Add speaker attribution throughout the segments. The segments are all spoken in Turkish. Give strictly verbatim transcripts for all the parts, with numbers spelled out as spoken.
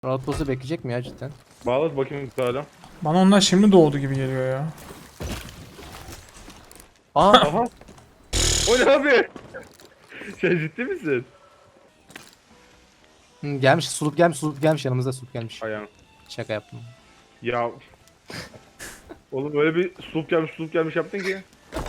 Speaker 1: Outpost'u bekleyecek mi ya cidden?
Speaker 2: Bağlat bakayım hala.
Speaker 3: Bana onlar şimdi doğdu gibi geliyor ya.
Speaker 1: Aa!
Speaker 2: Aha. O ne abi? Sen ciddi misin?
Speaker 1: Hı, gelmiş, sulup gelmiş, sulup gelmiş, yanımızda sulup gelmiş.
Speaker 2: Ayağım.
Speaker 1: Şaka yaptım.
Speaker 2: Ya. Oğlum böyle bir sulup gelmiş sulup gelmiş yaptın ki.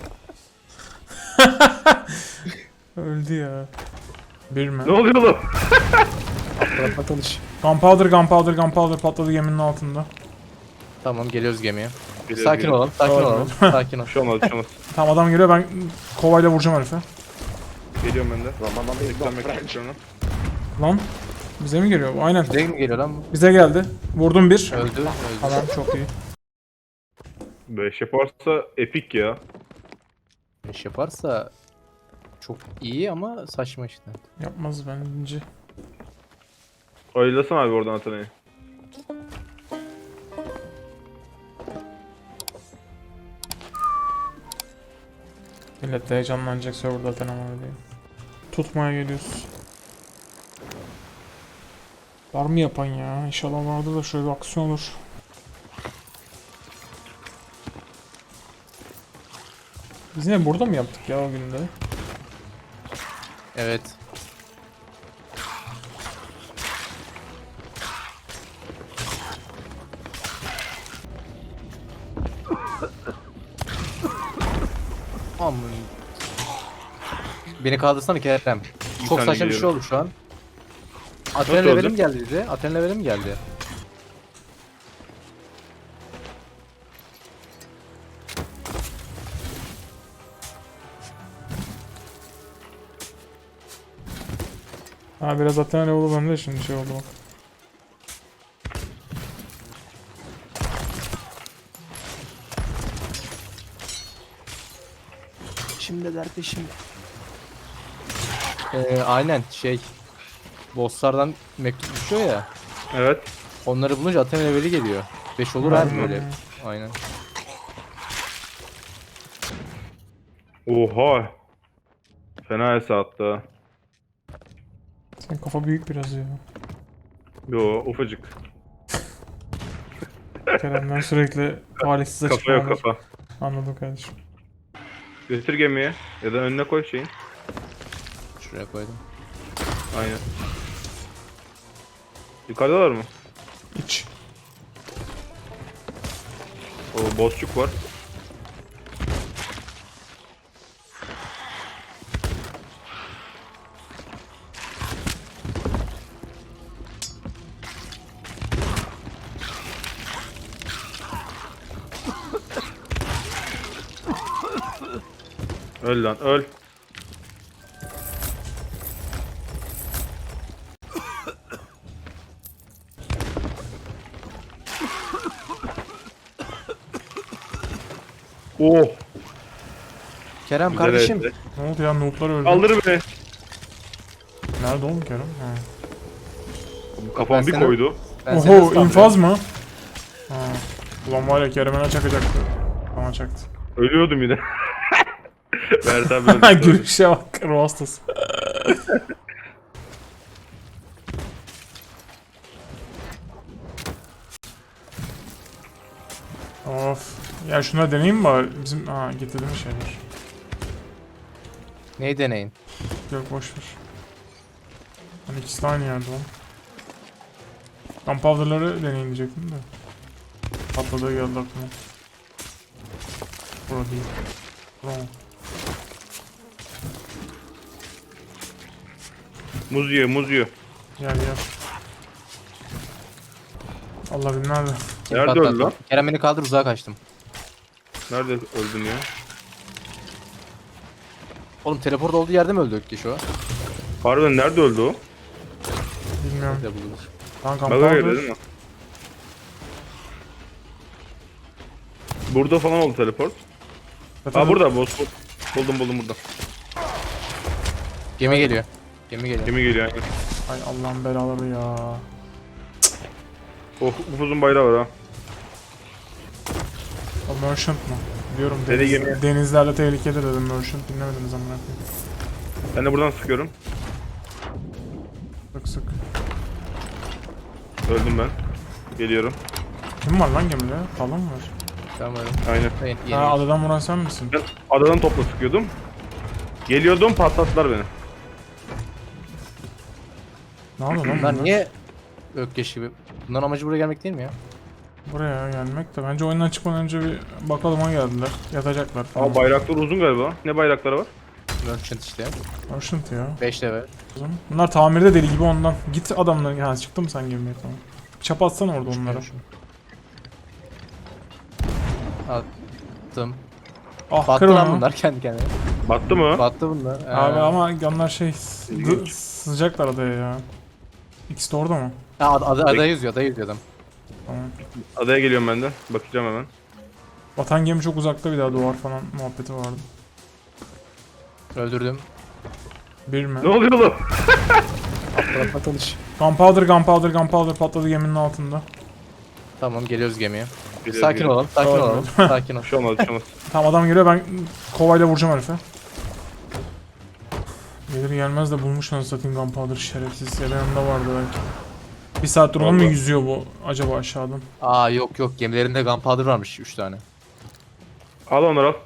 Speaker 3: Öldü ya. Bir mi?
Speaker 2: Ne oluyor oğlum?
Speaker 1: Atla tanış.
Speaker 3: Gunpowder, gunpowder, gunpowder patladı geminin altında.
Speaker 1: Tamam, geliyoruz gemiye.
Speaker 2: Geliyoruz,
Speaker 1: Sakin
Speaker 2: geliyoruz.
Speaker 1: olalım, sakin
Speaker 3: Doğru.
Speaker 1: olalım, sakin ol.
Speaker 2: Bir şey olmaz bir şey olmaz.
Speaker 3: Tamam adam geliyor, ben kovayla vuracağım herife.
Speaker 2: Geliyorum ben de. Eklenmek istiyorum.
Speaker 3: Lan bize mi geliyor bu? Aynen.
Speaker 1: Bize mi geliyor lan bu?
Speaker 3: Bize geldi. Vurdum bir.
Speaker 1: Öldü, öldü.
Speaker 3: Tamam çok iyi.
Speaker 2: beş yaparsa epik ya.
Speaker 1: İş yaparsa çok iyi ama saçma işte.
Speaker 3: Yapmaz bence.
Speaker 2: Ayılasana abi oradan Atana'yı.
Speaker 3: Millet de heyecanlanacak serverda zaten ama öyle. Tutmaya geliyoruz. Var mı yapan ya? İnşallah vardır da şöyle bir aksiyon olur. Biz yine burada mı yaptık ya o günde?
Speaker 1: Evet. Aman. Beni kaldırsana Kerem. Çok
Speaker 2: tane
Speaker 1: saçma bir şey
Speaker 2: geliyorum.
Speaker 1: oldu şu an. Aten
Speaker 2: Nasıl
Speaker 1: levelim
Speaker 2: oldu?
Speaker 1: geldi bize. Aten levelim geldi.
Speaker 3: Ha biraz zaten öyle oldu bende şimdi şey oldu bak.
Speaker 1: Şimdi derdi şimdi. Ee, aynen şey. Bosslardan mektup düşüyor ya.
Speaker 2: Evet.
Speaker 1: Onları bulunca Aten leveli geliyor. beş olur abi böyle. Aynen.
Speaker 2: Oha. Fena esa hatta.
Speaker 3: Senin kafa büyük biraz ya.
Speaker 2: Yo ufacık.
Speaker 3: Kerem'den sürekli talihsiz
Speaker 2: Kafa yok
Speaker 3: açıklamalar.
Speaker 2: kafa.
Speaker 3: Anladım kardeşim.
Speaker 2: Götür gemiye. Ya da önüne koy şeyin.
Speaker 1: Şuraya koydum.
Speaker 2: Aynen. Yukarıdalar mı?
Speaker 3: İç.
Speaker 2: O bozçuk var. Öl lan öl. Oh.
Speaker 1: Kerem
Speaker 2: Güzel
Speaker 1: kardeşim.
Speaker 2: etti.
Speaker 3: Ne oldu ya, noob'lar öldü.
Speaker 2: Kaldır beni.
Speaker 3: Nerede oğlum Kerem? Ha.
Speaker 2: Kafam bir
Speaker 1: sana-
Speaker 2: koydu.
Speaker 1: Ben seni
Speaker 3: Oho
Speaker 1: ıslandım.
Speaker 3: infaz mı? Ha. Ulan var ya Kerem'e ne çakacaktı. Bana çaktı.
Speaker 2: Ölüyordum yine. Mert abi öldü.
Speaker 3: Gülüşe bak, ruh hastası. Of. Ya şuna deneyeyim mi bari? Bizim ha getirdiğimiz şeyler.
Speaker 1: Neyi deneyin?
Speaker 3: Yok boşver. Hani ikisi de aynı yerde lan. Gunpowder'ları deneyin diyecektim de. Patladığı geldi aklıma. Bura değil. Bura mı?
Speaker 2: Muz yiyor muz yiyor.
Speaker 3: Gel gel. Allah bilir nerede.
Speaker 1: Kim
Speaker 2: Nerede
Speaker 1: patlattı?
Speaker 2: öldü lan?
Speaker 1: Kerem beni kaldır, uzağa kaçtım.
Speaker 2: Nerede öldün ya?
Speaker 1: Oğlum teleport olduğu yerde mi öldük ki şu an?
Speaker 2: Harbiden nerede öldü o?
Speaker 3: Bilmiyorum.
Speaker 1: Nerede bulunur?
Speaker 3: Lan
Speaker 2: Bana göre
Speaker 3: Gunpowder.
Speaker 2: değil mi? Burada falan oldu teleport.
Speaker 3: Zaten
Speaker 2: Aa burada boss. Buldum buldum burada.
Speaker 1: Gemi geliyor. Gemi geliyor.
Speaker 2: Gemi geliyor yani.
Speaker 3: Ay Allah'ın belaları ya.
Speaker 2: Oh upuzun bayrağı var ha.
Speaker 3: O merchant mı? Diyorum
Speaker 2: Deli
Speaker 3: deniz,
Speaker 2: gemi.
Speaker 3: denizlerle tehlikeli dedim, merchant dinlemediniz amına koyayım.
Speaker 2: Ben de buradan sıkıyorum.
Speaker 3: Sık sık.
Speaker 2: Öldüm ben. Geliyorum.
Speaker 3: Kim var lan gemide? Talon mu var?
Speaker 1: Tamam öyle.
Speaker 2: Aynen.
Speaker 1: Ben
Speaker 3: Ha,
Speaker 1: yeni.
Speaker 3: adadan vuran sen misin?
Speaker 2: Ben adadan topla sıkıyordum. Geliyordum, patlattılar beni.
Speaker 3: Ne yapıyor lan
Speaker 1: Bunlar
Speaker 3: bunlar?
Speaker 1: niye Ökkeş gibi? Bunların amacı buraya gelmek değil mi ya?
Speaker 3: Buraya gelmek de bence oyundan çıkmadan önce bir bakalım geldiler. Yatacaklar falan.
Speaker 2: Ama bayraklar uzun galiba. Ne bayrakları var?
Speaker 1: Merchant işte.
Speaker 3: Merchant ya.
Speaker 1: beş level.
Speaker 3: Bunlar tamirde deli gibi ondan. Git adamların. Ha çıktı mı sen gemiye tamam. Çapa atsana orada onlara.
Speaker 1: Attım.
Speaker 3: Ah
Speaker 1: Battı
Speaker 3: kır
Speaker 1: lan
Speaker 3: onu.
Speaker 1: bunlar kendi kendine.
Speaker 2: Battı mı?
Speaker 1: Battı bunlar. Ee,
Speaker 3: Abi ama onlar şey dı-
Speaker 2: İlginç.
Speaker 3: sızacaklar adaya ya. İkisi de orada mı?
Speaker 1: Ha, ada, ada, ada yüzüyor, ada yüzüyor adam.
Speaker 3: Tamam.
Speaker 2: Adaya geliyorum ben de. Bakacağım hemen.
Speaker 3: Vatan gemi çok uzakta bir daha duvar falan muhabbeti vardı.
Speaker 1: Öldürdüm.
Speaker 3: Bir mi?
Speaker 2: Ne oluyor oğlum?
Speaker 1: Bırakma tanış.
Speaker 3: Gunpowder, gunpowder, gunpowder patladı geminin altında.
Speaker 1: Tamam geliyoruz gemiye.
Speaker 2: Geliyoruz,
Speaker 1: Sakin
Speaker 2: geliyoruz.
Speaker 1: olalım, sakin
Speaker 3: Tamam.
Speaker 1: olalım. Sakin ol.
Speaker 2: Bir şey olmaz, bir şey olmaz.
Speaker 3: Tamam adam geliyor ben kovayla vuracağım herife. Gelir gelmez de bulmuş lan satayım gunpowder şerefsiz. Ya da yanında vardı belki. Bir saattir onu mu
Speaker 2: Vallahi.
Speaker 3: yüzüyor bu acaba aşağıdan?
Speaker 1: Aa yok yok gemilerinde gunpowder varmış üç tane.
Speaker 2: Al onları al.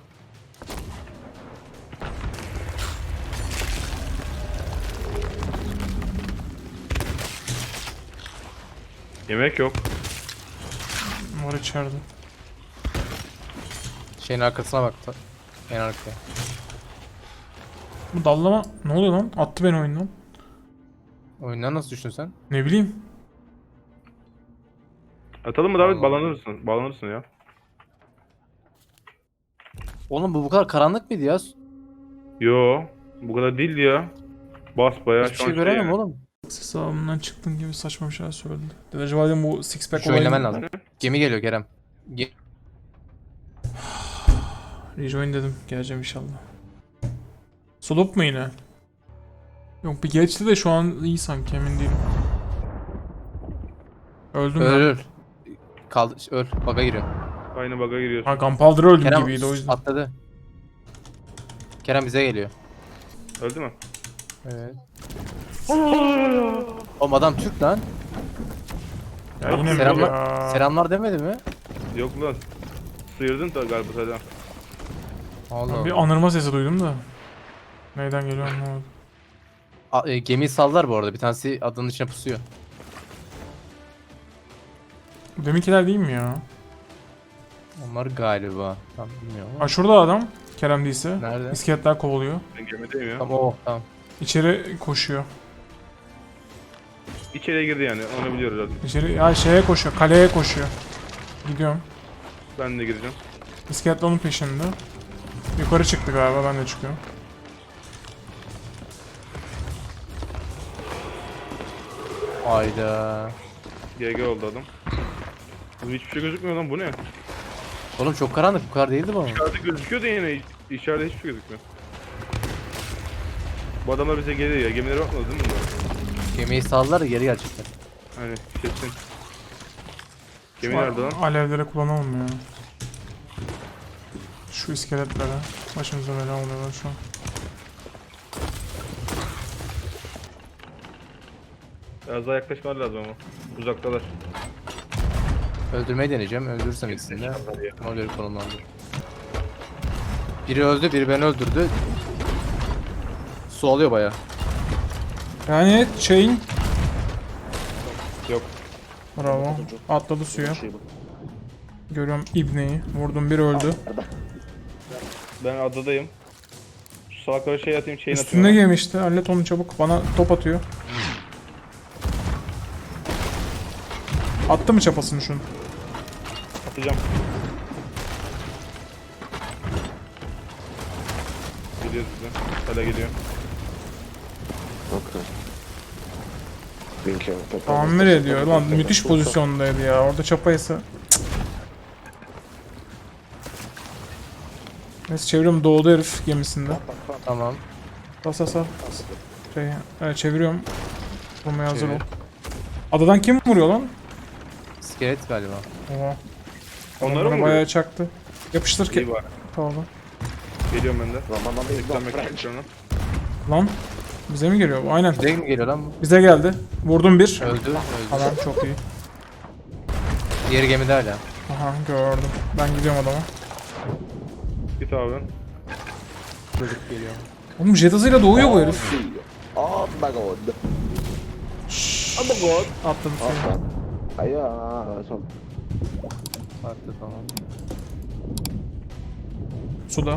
Speaker 2: Yemek yok.
Speaker 3: Var içeride.
Speaker 1: Şeyin arkasına bak. da- En arkaya.
Speaker 3: Bu dallama ne oluyor lan? Attı beni oyundan.
Speaker 1: Oyundan nasıl düştün sen?
Speaker 3: Ne bileyim.
Speaker 2: Atalım mı David?
Speaker 1: Allah.
Speaker 2: Bağlanırsın. Bağlanırsın ya.
Speaker 1: Oğlum bu bu kadar karanlık mıydı ya?
Speaker 2: Yo. Bu kadar değildi ya. Bas bayağı
Speaker 1: Hiçbir şey göremem oğlum.
Speaker 3: Ses ağabeyimden çıktın gibi saçma bir şeyler söyledi. Dedi acaba dedim bu six pack
Speaker 1: Şu oynaman lazım. Gemi geliyor Kerem. Ge-
Speaker 3: Rejoin dedim. Geleceğim inşallah. Solup mu yine? Yok bir geçti de şu an iyi sanki emin değilim. Öldüm
Speaker 1: öl
Speaker 3: ben.
Speaker 1: öl. Kaldı öl. Baga giriyor.
Speaker 2: Aynı bug'a giriyorsun.
Speaker 3: Ha Gunpowder öldüm
Speaker 1: Kerem
Speaker 3: gibiydi o yüzden.
Speaker 1: atladı. Kerem bize geliyor.
Speaker 2: Öldü mü?
Speaker 1: Evet. Oğlum adam Türk lan.
Speaker 3: Ya yine mi
Speaker 1: Selamlar,
Speaker 3: ya?
Speaker 1: selamlar demedi mi?
Speaker 2: Yok lan. Sıyırdın da galiba zaten.
Speaker 1: Allah
Speaker 3: Ben bir
Speaker 1: Allah.
Speaker 3: anırma sesi duydum da. Neyden geliyor anlamadım.
Speaker 1: A- e, gemiyi sallar bu arada. Bir tanesi adanın içine pusuyor.
Speaker 3: Deminkiler değil mi ya?
Speaker 1: Onlar galiba. Tam bilmiyorum ama.
Speaker 3: Ha şurada adam. Kerem değilse.
Speaker 1: Nerede?
Speaker 3: İskeletler kovalıyor.
Speaker 2: Ben gemideyim ya.
Speaker 1: Tamam o. Tamam.
Speaker 3: İçeri koşuyor.
Speaker 2: İçeriye girdi yani. Onu biliyoruz zaten.
Speaker 3: İçeri ya şeye koşuyor. Kaleye koşuyor. Gidiyorum.
Speaker 2: Ben de gireceğim.
Speaker 3: İskeletler onun peşinde. Yukarı çıktı galiba ben de çıkıyorum.
Speaker 1: Hayda.
Speaker 2: G G oldu adam. Oğlum hiçbir şey gözükmüyor lan, bu ne?
Speaker 1: Oğlum çok karanlık. Bu kadar değildi bu.
Speaker 2: İçeride gözüküyor da yine içeride hiçbir şey gözükmüyor. Bu adamlar bize geliyor ya. Gemilere bakmadınız değil mi bunlar?
Speaker 1: Gemiyi sallar da geri gelecekler.
Speaker 2: Hani kesin. Gemi
Speaker 3: Şu
Speaker 2: nerede lan?
Speaker 3: alevlere kullanalım ya. Şu iskeletlere. Başımıza bela oluyorlar şu an.
Speaker 2: Biraz daha yaklaşmalar lazım ama. Uzaktalar.
Speaker 1: Öldürmeyi deneyeceğim. Öldürürsem ikisini de. Ona göre konumlandır. Biri öldü, biri beni öldürdü. Su alıyor baya.
Speaker 3: Yani chain.
Speaker 2: Yok.
Speaker 3: Bravo. Atladı suya. Görüyorum ibneyi. Vurdum bir öldü.
Speaker 2: Ben adadayım. Şu salaklara şey atayım, chain
Speaker 3: Üstünde
Speaker 2: atıyorum.
Speaker 3: gemi işte. Hallet onu çabuk. Bana top atıyor. Attı mı çapasını şunu?
Speaker 2: Atacağım. Geliyor size. Hala geliyor.
Speaker 4: Okay. Binkier.
Speaker 3: Tamir ediyor. Lan müthiş pozisyondaydı ya. Orada çapaysa. Neyse çeviriyorum. Doğdu herif gemisinde.
Speaker 1: Tamam.
Speaker 3: Bas bas bas. Şey, evet, çeviriyorum. Vurmaya hazır ol.
Speaker 1: Çevir.
Speaker 3: Adadan kim vuruyor lan?
Speaker 1: İskelet galiba.
Speaker 3: Oha.
Speaker 2: Onları
Speaker 3: Bana
Speaker 2: mı
Speaker 3: bayağı
Speaker 2: vuruyor?
Speaker 3: çaktı. Yapıştır
Speaker 2: İyi
Speaker 3: ki.
Speaker 2: bari.
Speaker 3: Tamam.
Speaker 2: Geliyorum ben de.
Speaker 4: Ramazan Bey
Speaker 2: Yüklenmek
Speaker 4: French.
Speaker 2: istiyorum.
Speaker 3: Lan. Bize mi geliyor bu? Aynen.
Speaker 1: Bize mi geliyor lan bu?
Speaker 3: Bize geldi. Vurdum bir.
Speaker 1: Öldü. Öldü.
Speaker 3: Tamam çok iyi.
Speaker 1: Diğeri gemide hala.
Speaker 3: Aha gördüm. Ben gidiyorum adama.
Speaker 2: Git abi.
Speaker 1: Çocuk geliyor.
Speaker 3: Oğlum jet hızıyla doğuyor bu herif.
Speaker 4: Oh my god.
Speaker 2: Oh my god.
Speaker 3: Atladı
Speaker 4: Oh
Speaker 3: suya.
Speaker 4: god. Ayo, langsung.
Speaker 1: Farklı tamam.
Speaker 3: Suda.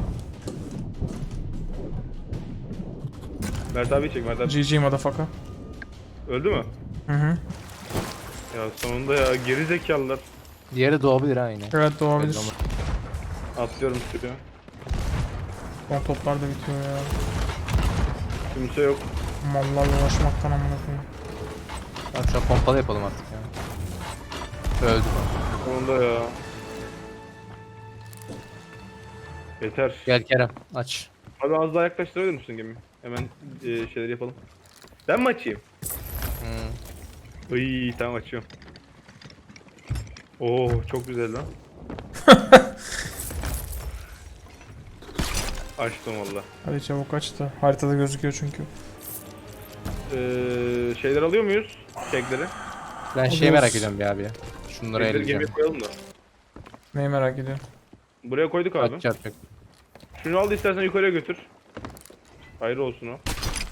Speaker 2: Mert abi çek Mert abi.
Speaker 3: G G motherfucker.
Speaker 2: Öldü mü?
Speaker 3: Hı hı.
Speaker 2: Ya sonunda ya geri zekalılar.
Speaker 1: Diğeri doğabilir ha yine.
Speaker 3: Evet doğabilir.
Speaker 1: Belli olmaz.
Speaker 2: Atlıyorum suya.
Speaker 3: Son toplar da bitiyor ya.
Speaker 2: Kimse yok.
Speaker 3: Mallarla uğraşmaktan amına koyayım.
Speaker 1: Tamam şu an pompalı yapalım artık ya. Öldü.
Speaker 2: Sonunda ya. Yeter.
Speaker 1: Gel Kerem aç.
Speaker 2: Abi az daha yaklaştırabilir misin gemiyi? Hemen e, şeyleri yapalım. Ben mi açayım?
Speaker 1: Hmm.
Speaker 2: İyi tamam açıyorum. Oo çok güzel lan. Açtım valla.
Speaker 3: Hadi çabuk aç da. Haritada gözüküyor çünkü.
Speaker 2: Ee, şeyler alıyor muyuz? Kekleri.
Speaker 1: Ben şeyi
Speaker 3: Alıyoruz.
Speaker 1: merak ediyorum bir abi ya. Şunları
Speaker 2: Kekleri gemiye
Speaker 1: eleyeceğim.
Speaker 2: koyalım da.
Speaker 3: Neyi merak ediyorum.
Speaker 2: Buraya koyduk abi.
Speaker 1: Kaç çarpacak?
Speaker 2: Şunu al da istersen yukarıya götür. Hayır olsun o.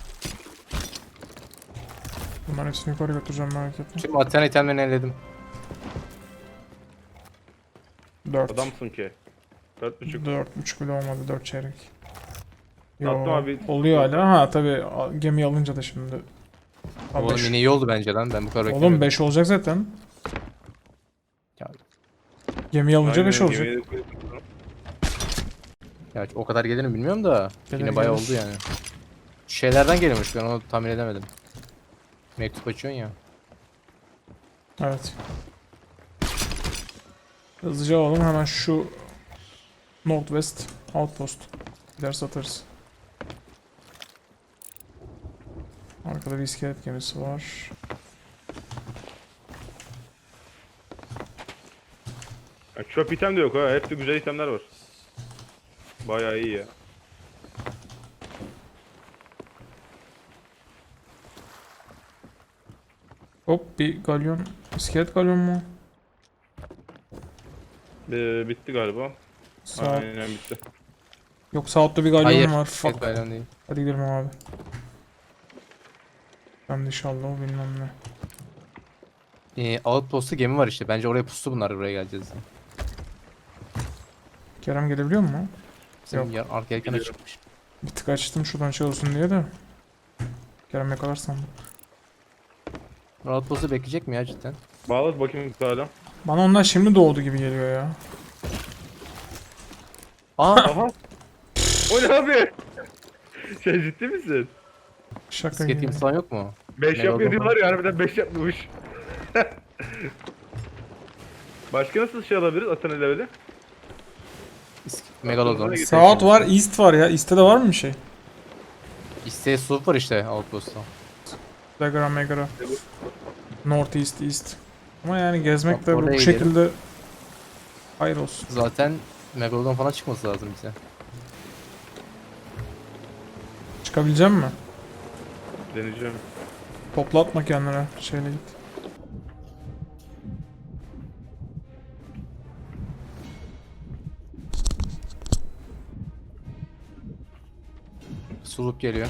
Speaker 3: Bunların hepsini yukarı götüreceğim merak etme.
Speaker 1: Şimdi Athena itemlerini elledim.
Speaker 3: dört.
Speaker 2: Adamsın ki. Dört buçuk.
Speaker 3: dört buçuk bile olmadı. dört çeyrek.
Speaker 2: Attım abi.
Speaker 3: Oluyor hala. Ha tabi gemi alınca da şimdi. Ha,
Speaker 1: Oğlum
Speaker 3: beş.
Speaker 1: yine iyi oldu bence lan. Ben bu kadar
Speaker 3: Oğlum
Speaker 1: beklemiyordum.
Speaker 3: beş olacak zaten.
Speaker 1: Ya,
Speaker 3: Gemi alınca
Speaker 2: Aynen,
Speaker 3: beş olacak.
Speaker 2: gemiye de koyduk.
Speaker 1: ya o kadar gelir mi bilmiyorum da.
Speaker 3: Gelir,
Speaker 1: yine bayağı
Speaker 3: gelir.
Speaker 1: oldu yani. Şeylerden geliyormuş ben onu tahmin edemedim. Mektup açıyorsun ya.
Speaker 3: Evet. Hızlıca alalım hemen şu Northwest Outpost. Gider satarız. Arkada bir iskelet gemisi var.
Speaker 2: Ya, çöp item de yok ha. Hepsi güzel itemler var. Bayağı iyi ya.
Speaker 3: Hop bir galyon. İskelet galyon mu?
Speaker 2: Ee, bitti galiba.
Speaker 3: Sağ.
Speaker 2: Aynen bitti.
Speaker 3: Yok South'ta bir galyon
Speaker 1: Hayır.
Speaker 3: var.
Speaker 1: Evet,
Speaker 3: Fuck.
Speaker 1: bayram değil.
Speaker 3: Hadi gidelim abi. Ben de inşallah o bilmem ne.
Speaker 1: Ee, Outpost'ta gemi var işte. Bence oraya pustu bunlar buraya geleceğiz. diye.
Speaker 3: Kerem gelebiliyor mu?
Speaker 1: Bizim
Speaker 3: Yok.
Speaker 1: ya, arka yelken
Speaker 2: Biliyorum.
Speaker 1: açıkmış.
Speaker 3: Bir tık açtım şuradan şey olsun diye de. Kerem yakalar sandım.
Speaker 1: Outpost'u bekleyecek mi ya cidden?
Speaker 2: Bağlat bakayım hala.
Speaker 3: Bana onlar şimdi doğdu gibi geliyor ya.
Speaker 1: Aa!
Speaker 2: Aha. O ne abi? Sen ciddi misin?
Speaker 3: Şaka
Speaker 1: Bisiklet
Speaker 3: gibi.
Speaker 1: gemisi falan yok mu?
Speaker 2: beş
Speaker 1: Ne
Speaker 2: yapmıyor
Speaker 1: oldu?
Speaker 2: diyorlar ya harbiden beş yapmamış. Başka nasıl şey alabiliriz Athena leveli?
Speaker 1: İsk- Megalodon.
Speaker 3: South var, East var ya. East'te de var mı bir şey?
Speaker 1: İsteği sloop var işte Outpost'ta.
Speaker 3: Dagara Megara. North East East. Ama yani gezmek
Speaker 1: Bak,
Speaker 3: de bu
Speaker 1: oraya
Speaker 3: şekilde hayır olsun.
Speaker 1: Zaten Megalodon falan çıkması lazım bize.
Speaker 3: Çıkabilecek mi?
Speaker 2: Deneyeceğim.
Speaker 3: Toplatma kendine. Şeyle git.
Speaker 1: Sloop geliyor.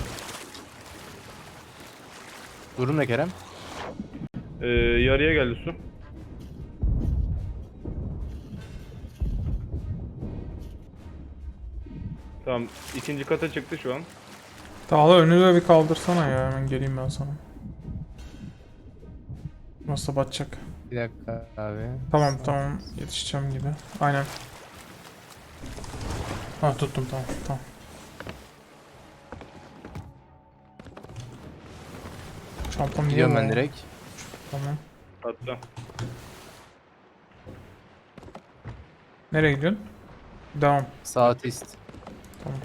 Speaker 1: Durum ne Kerem?
Speaker 2: Ee, yarıya geldi su. Tamam ikinci kata çıktı şu an.
Speaker 3: Dağla önünü de bir kaldırsana ya. Hemen geleyim ben sana. Nasıl batacak?
Speaker 1: Bir dakika abi.
Speaker 3: Tamam tamam yetişeceğim gibi. Aynen. Ha tuttum tamam tamam. Çantam niye
Speaker 1: Gidiyorum
Speaker 3: bu?
Speaker 1: ben direkt.
Speaker 3: Tamam.
Speaker 2: Hatta.
Speaker 3: Nereye gidiyorsun? Devam.
Speaker 1: Saat ist.
Speaker 3: Tamam.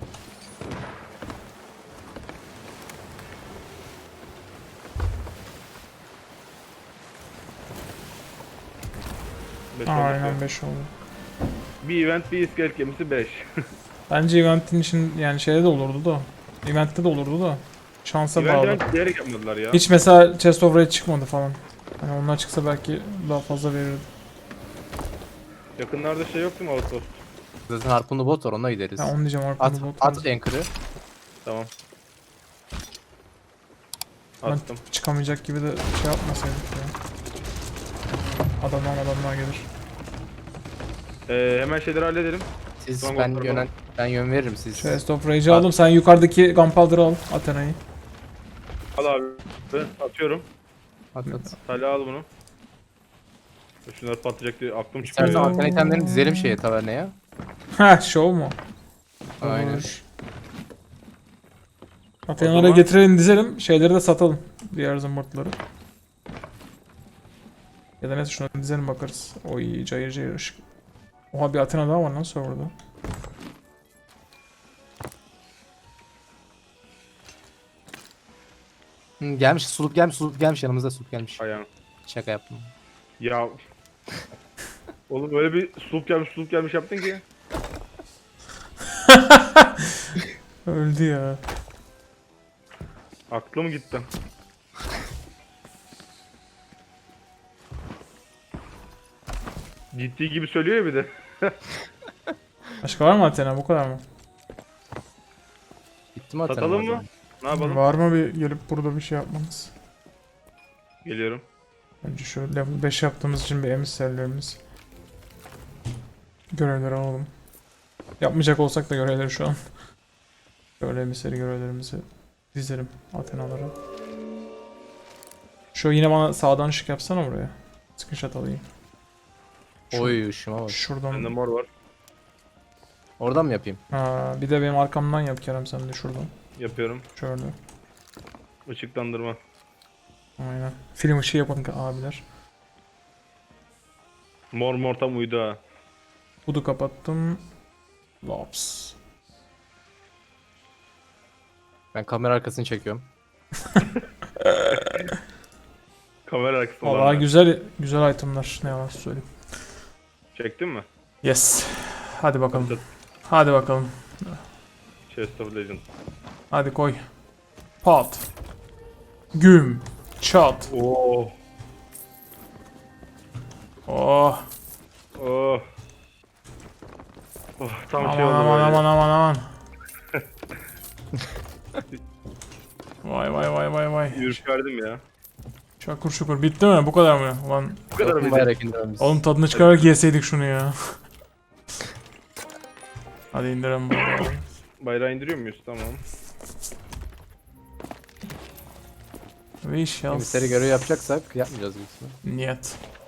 Speaker 2: beş oldu.
Speaker 3: Aynen beş oldu.
Speaker 2: Bir event bir iskelet gemisi beş.
Speaker 3: Bence eventin için yani şeyde de olurdu da. Eventte de olurdu da. Şansa
Speaker 2: Event
Speaker 3: bağlı.
Speaker 2: event diyerek yapmadılar ya.
Speaker 3: Hiç mesela Chest of Rage çıkmadı falan. Hani onlar çıksa belki daha fazla verirdi.
Speaker 2: Yakınlarda şey yok değil mi outpost?
Speaker 1: Zaten harpunlu bot var, onunla gideriz.
Speaker 3: Ha, onu diyeceğim
Speaker 1: At,
Speaker 3: arkamda bot
Speaker 1: at
Speaker 3: var.
Speaker 1: anchor'ı.
Speaker 2: Tamam.
Speaker 3: Ben
Speaker 2: Attım.
Speaker 3: çıkamayacak gibi de şey yapmasaydık ya. Adamlar adamlar gelir.
Speaker 2: Ee, hemen şeyleri halledelim.
Speaker 1: Siz
Speaker 2: Tamam,
Speaker 1: ben
Speaker 2: tamam.
Speaker 1: yönen ben yön veririm siz.
Speaker 3: Chest of Rage'i aldım. Sen yukarıdaki Gunpowder'ı al. Athena'yı.
Speaker 2: Al abi. Ben atıyorum.
Speaker 1: At at.
Speaker 2: Talha al bunu. Şunlar patlayacak diye aklım çıkıyor.
Speaker 1: İstersen
Speaker 2: ya.
Speaker 1: arkan itemlerini dizelim şeye, taverneye.
Speaker 3: Heh, show mu?
Speaker 1: Aynen.
Speaker 3: Olur.
Speaker 2: O
Speaker 3: Athena'lara
Speaker 2: zaman-
Speaker 3: getirelim dizelim. Şeyleri de satalım. Diğer zımbırtları. Ya da neyse şunu dizelim bakarız. Oy cayır cayır ışık. Oha bir Athena daha var lan serverda.
Speaker 1: Hı, gelmiş, sulup gelmiş, sulup gelmiş, yanımızda sulup gelmiş.
Speaker 2: Ayağım.
Speaker 1: Şaka yaptım.
Speaker 2: Ya. Oğlum böyle bir sulup gelmiş sulup gelmiş yaptın ki.
Speaker 3: Öldü ya.
Speaker 2: Aklım gitti. Ciddi gibi söylüyor ya bir de.
Speaker 3: Başka var mı Athena? Bu kadar mı?
Speaker 1: Bitti mi atalım?
Speaker 2: Satalım mı? Ne yapalım?
Speaker 3: Var mı bir gelip burada bir şey yapmanız?
Speaker 2: Geliyorum.
Speaker 3: Önce şu level beş yaptığımız için bir emisserlerimiz. Görevleri alalım. Yapmayacak olsak da görevleri şu an. Böyle emisseri görevlerimizi dizelim Athena'lara. Şu yine bana sağdan ışık yapsana buraya. Screenshot alayım. Şu-
Speaker 1: Oy ışıma bak.
Speaker 2: Bende
Speaker 3: Şuradan.
Speaker 2: mor var.
Speaker 1: Oradan mı yapayım?
Speaker 3: Ha, bir de benim arkamdan yap Kerem sen de şuradan.
Speaker 2: Yapıyorum.
Speaker 3: Şöyle.
Speaker 2: Işıklandırma.
Speaker 3: Aynen. Film ışığı yapın abiler.
Speaker 2: Mor mor tam uydu ha.
Speaker 3: Budu kapattım. Lops.
Speaker 1: Ben kamera arkasını çekiyorum.
Speaker 2: Kamera arkası
Speaker 3: Valla
Speaker 2: olanlar.
Speaker 3: güzel güzel itemler ne yalan söyleyeyim.
Speaker 2: Çektin mi?
Speaker 3: Yes. Hadi bakalım. Hadi bakalım.
Speaker 2: Chest of Legend.
Speaker 3: Hadi koy. Pat. Güm. Çat.
Speaker 2: Oo.
Speaker 3: Oh.
Speaker 2: Oh. Oh tam
Speaker 3: Aman
Speaker 2: şey oldu
Speaker 3: aman
Speaker 2: böyle.
Speaker 3: aman aman aman. Vay vay vay vay vay.
Speaker 2: Ürperdim ya.
Speaker 3: Şakur şukur. Bitti mi? Bu kadar mı? Ulan
Speaker 2: Bu kadar
Speaker 1: Bakın
Speaker 2: mıydı?
Speaker 1: bayrak indirelim biz.
Speaker 3: oğlum tadını çıkararak yeseydik şunu ya. Hadi indirelim bunu.
Speaker 2: Bayrağı indiriyor muyuz? Tamam.
Speaker 3: We shall
Speaker 1: Emiseri görev yapacaksak yapmayacağız büyük ihtimalle.
Speaker 3: Niyet.